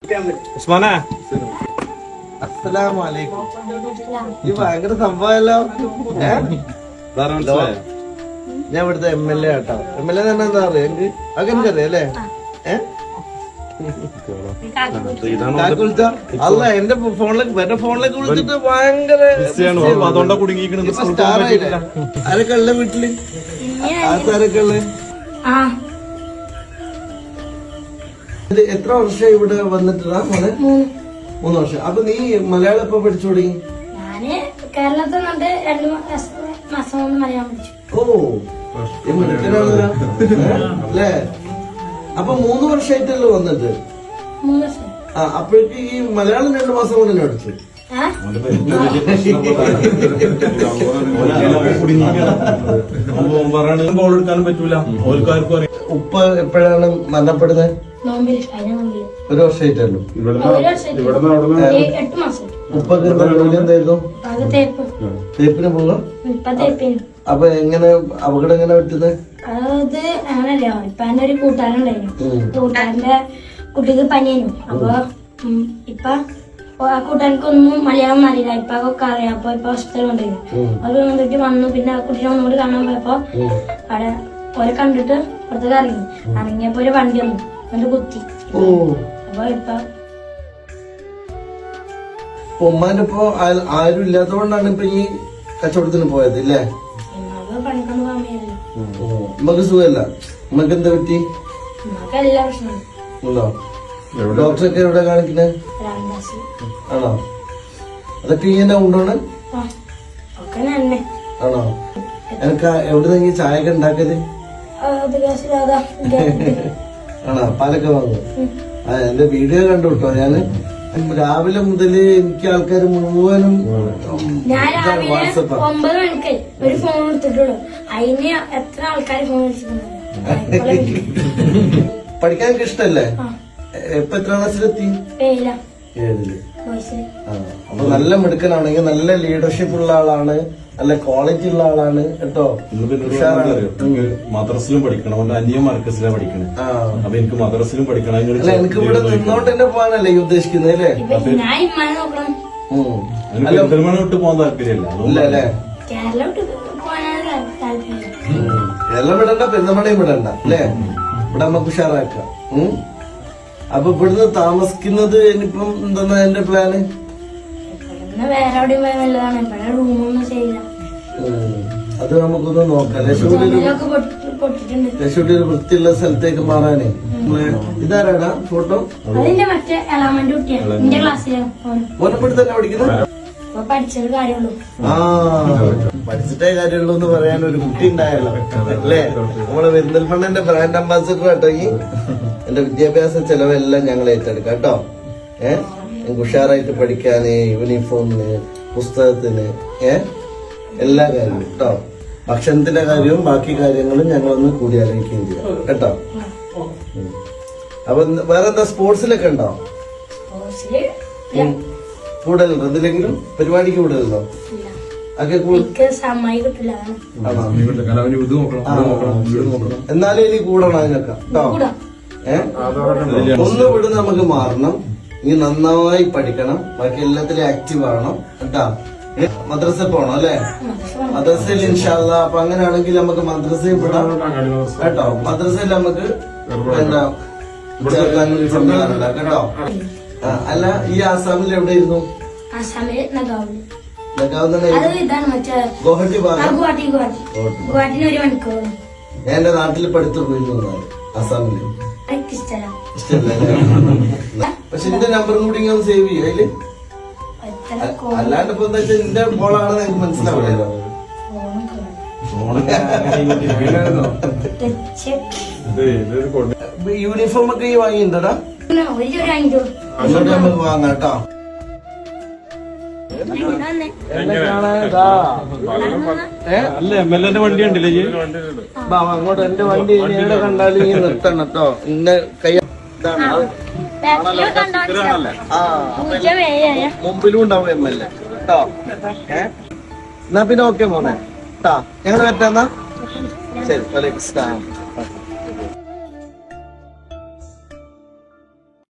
ഉസ്മാനെ അസ്സലാമലൈക്കും. ഈ ഭയങ്കര സംഭവമല്ലോ. ഞാൻ ഇവിടുത്തെ MLA ആട്ടോ. MLA തന്നെ എന്താ പറയാ എനിക്ക് അതൊക്കെ എനിക്കറിയാം അല്ലേ? അല്ല എന്റെ ഫോണിലേക്ക് വിളിച്ചിട്ട് ഭയങ്കര സ്റ്റാറായില്ലേ? ആരൊക്കെ ഉള്ള വീട്ടില്? ആർക്കാരൊക്കെ ഉള്ള? എത്ര വർഷം ഇവിടെ വന്നിട്ടാ മോനെ? 3 വർഷം. അപ്പൊ നീ മലയാളം എപ്പോ പഠിച്ചു തുടങ്ങി? കേരളത്തിൽ 2 മാസം കൊണ്ട് മലയാളം പഠിച്ചു. ഓ അല്ലേ? അപ്പൊ 3 വർഷമായിട്ടല്ലോ വന്നിട്ട്? 3 വർഷം. അപ്പോഴേക്ക് ഈ മലയാളം 2 മാസം കൊണ്ട് തന്നെ പഠിച്ചു. എടുക്കാനും പറ്റൂല. ഉപ്പ എപ്പോഴാണ് മരണപ്പെടുന്നത്? 1 വർഷമായിട്ടല്ലോ. ഉപ്പൊക്കെ ജോലി എന്തായിരുന്നു? തേപ്പിന് പോകാം. അപ്പൊ എങ്ങനെ അപകടം എങ്ങനെ പറ്റുന്നത്? അത് അങ്ങനല്ല. ഇപ്പൊ എന്റെ ഒരു കൂട്ടുകാരുണ്ടായിരുന്നു. കൂട്ടുകാരന്റെ കുട്ടിക്ക് പനിയായിരുന്നു. അപ്പൊ ഇപ്പൊ ആ കൂട്ടുകാർക്കൊന്നും മലയാളം അറിയില്ല. ഇപ്പൊ ഒക്കെ അറിയാം. അപ്പൊ ഇപ്പൊ ഹോസ്പിറ്റലിൽ കൊണ്ടുപോയി. അത് വന്നിട്ട് വന്നു. പിന്നെ ആ കുട്ടീനെ ഒന്നുകൂടി കാണാൻ പോയപ്പോ അവിടെ ഓരെ കണ്ടിട്ട് പുറത്തേക്ക് ഇറങ്ങിയപ്പോ ഒരു വണ്ടി വന്നു. എന്നിട്ട് കുത്തി. അപ്പൊ ഇപ്പൊ ഉമ്മാന്റെ ഇപ്പൊ ആരും ഇല്ലാത്തതുകൊണ്ടാണ് ഇപ്പൊ ഈ കച്ചവടത്തിന് പോയത് ഇല്ലേ? പണിക്കൊന്നും പോകാൻ വയ്യല്ലോ. ഉമ്മക്ക് സുഖമല്ല. ഉമ്മക്ക് എന്താ പറ്റി? എല്ലാ പ്രശ്നവും ഉണ്ടോ? ഡോക്ടറൊക്കെ എവിടെ കാണിക്കുന്നത്? ആണോ? അതൊക്കെ ഇങ്ങനെ ഉണ്ടോണ്? ആണോ? എനിക്ക് എവിടെ നിന്ന് ചായ ഒക്കെ ഉണ്ടാക്കല്? ആണോ? പാലൊക്കെ വാങ്ങും. എന്റെ വീഡിയോ കണ്ടു കേട്ടോ. ഞാന് രാവിലെ മുതല് എനിക്ക് ആൾക്കാർ മുഴുവനും വാട്സപ്പ് 9 മണിക്ക് ഒരു ഫോൺ എടുത്തിട്ടുള്ളൂ. അതിന് എത്ര ആൾക്കാർ ഫോൺ വിളിച്ചിട്ടുണ്ട്. പഠിക്കാൻ ഇഷ്ടല്ലേ? ഇപ്പൊ എത്ര ക്ലാസ്സിലെത്തി? 7ല്. അപ്പൊ നല്ല മിടുക്കനാണെങ്കിൽ നല്ല ലീഡർഷിപ്പ് ഉള്ള ആളാണ്, നല്ല ക്വാളിറ്റി ഉള്ള ആളാണ് കേട്ടോ. മദ്രസിലും പഠിക്കണം. അന്യ മർക്കസിലാണ് പഠിക്കണേ. അപ്പൊ എനിക്ക് മദ്രസിലും പഠിക്കണം. എനിക്ക് ഇവിടെ നിന്നോട്ട് തന്നെ പോകാനല്ലേ ഈ ഉദ്ദേശിക്കുന്നത് അല്ലേ? പെരുന്തൽമണ്ണ വിട്ട് പോകാൻ താല്പര്യമില്ല അല്ലേ? കേരളം വിടണ്ട, പെരുന്തൽമണ്ണയും വിടണ്ട അല്ലേ? ഇവിടെ നമുക്ക് ഉഷാറാക്കാം. അപ്പൊ ഇവിടുന്ന് താമസിക്കുന്നത് ഇനിയിപ്പം എന്താ എന്റെ പ്ലാന്? വേറെ എവിടെയും പോയാൽ നല്ലതാണ്. ഇവിടെ റൂമൊന്നും ചെയ്യില്ല. അത് നമുക്കൊന്ന് നോക്കാം. ലക്ഷ്മിയുടെ ഒരു വൃത്തിയുള്ള സ്ഥലത്തേക്ക് മാറാനേ. ഇതാരാടാ ഫോട്ടോ? അതിന്റെ മറ്റേ എളാമന്റെ കുട്ടിയാണ്. എന്റെ ക്ലാസ്സിലാണ്. ഓനപ്പെടുത്ത് തന്നെ പഠിക്കുന്നത്? പഠിച്ചത് കാര്യമുള്ളൂ. പഠിച്ചിട്ടേ കാര്യമുള്ളൂ എന്ന് പറയാൻ ഒരു കുട്ടി ഉണ്ടായല്ലോ അല്ലേ? നമ്മളെ പെരിന്തൽമണ്ണന്റെ ബ്രാൻഡ് അംബാസിഡർ കേട്ടോ. ഈ എന്റെ വിദ്യാഭ്യാസ ചെലവെല്ലാം ഞങ്ങൾ ഏറ്റെടുക്കാം കേട്ടോ. ഞങ്ങൾക്ക് ഉഷാറായിട്ട് പഠിക്കാന്, യൂണിഫോമിന്, പുസ്തകത്തിന്, എല്ലാ കാര്യവും കേട്ടോ. ഭക്ഷണത്തിന്റെ കാര്യവും ബാക്കി കാര്യങ്ങളും ഞങ്ങളൊന്ന് കൂടി ആലോചിക്കുകയും ചെയ്യാം കേട്ടോ. അപ്പൊ വേറെന്താ സ്പോർട്സിലൊക്കെ ഉണ്ടോ? കൂടുതലുണ്ടോ? എന്തിലെങ്കിലും പരിപാടിക്ക് കൂടുതലുണ്ടോ? എന്നാലും ഇനി കൂടണം അതിനൊക്കെ കേട്ടോ. ഒന്ന് വിടുന്ന നമുക്ക് മാറണം. ഇനി നന്നായി പഠിക്കണം. ബാക്കി എല്ലാത്തിലും ആക്റ്റീവ് ആവണം കേട്ടോ. മദ്രസ പോണം അല്ലെ? മദ്രസയിൽ ഇൻഷാല്ല. അപ്പൊ അങ്ങനെയാണെങ്കിൽ നമുക്ക് മദ്രസയിൽ വിടാം കേട്ടോ. മദ്രസയിൽ നമുക്ക് എന്താ ചേർക്കാനൊരു സംവിധാനം ഉണ്ടാക്കാം കേട്ടോ. അല്ല ഈ ആസാമിൽ എവിടെയിരുന്നു? ഗുവാഹട്ടി ഭാഗം. ഞാൻ എന്റെ നാട്ടിൽ പഠിത്തു പോയിരുന്നു ആസാമില്. പക്ഷെ എന്റെ നമ്പറും കൂടി ഇങ്ങനെ സേവ് ചെയ്യും അതില്. അല്ലാണ്ട് ഇപ്പൊ എന്താ വെച്ചാൽ എന്റെ മോളാണെന്ന് എനിക്ക് മനസ്സിലാവില്ലല്ലോ. യൂണിഫോം ഒക്കെ ഈ വാങ്ങിയിട്ടുണ്ടടാ? അങ്ങോട്ട് നമുക്ക് വാങ്ങാം കേട്ടോ. അല്ല MLA വണ്ടി ഉണ്ടല്ലേ? അങ്ങോട്ട് എന്റെ വണ്ടി എവിടെ കണ്ടാലും ഇങ്ങനെ നിർത്തണം കേട്ടോ. ഇന്ന കൈ മുമ്പിലും ഉണ്ടാവും MLA കേട്ടോ. എന്നാ പിന്നെ ഓക്കെ മോനെ കേട്ടാ. ഞങ്ങൾ പറ്റാന്നാ ശരി. വലൈക്കും സ്ലാം.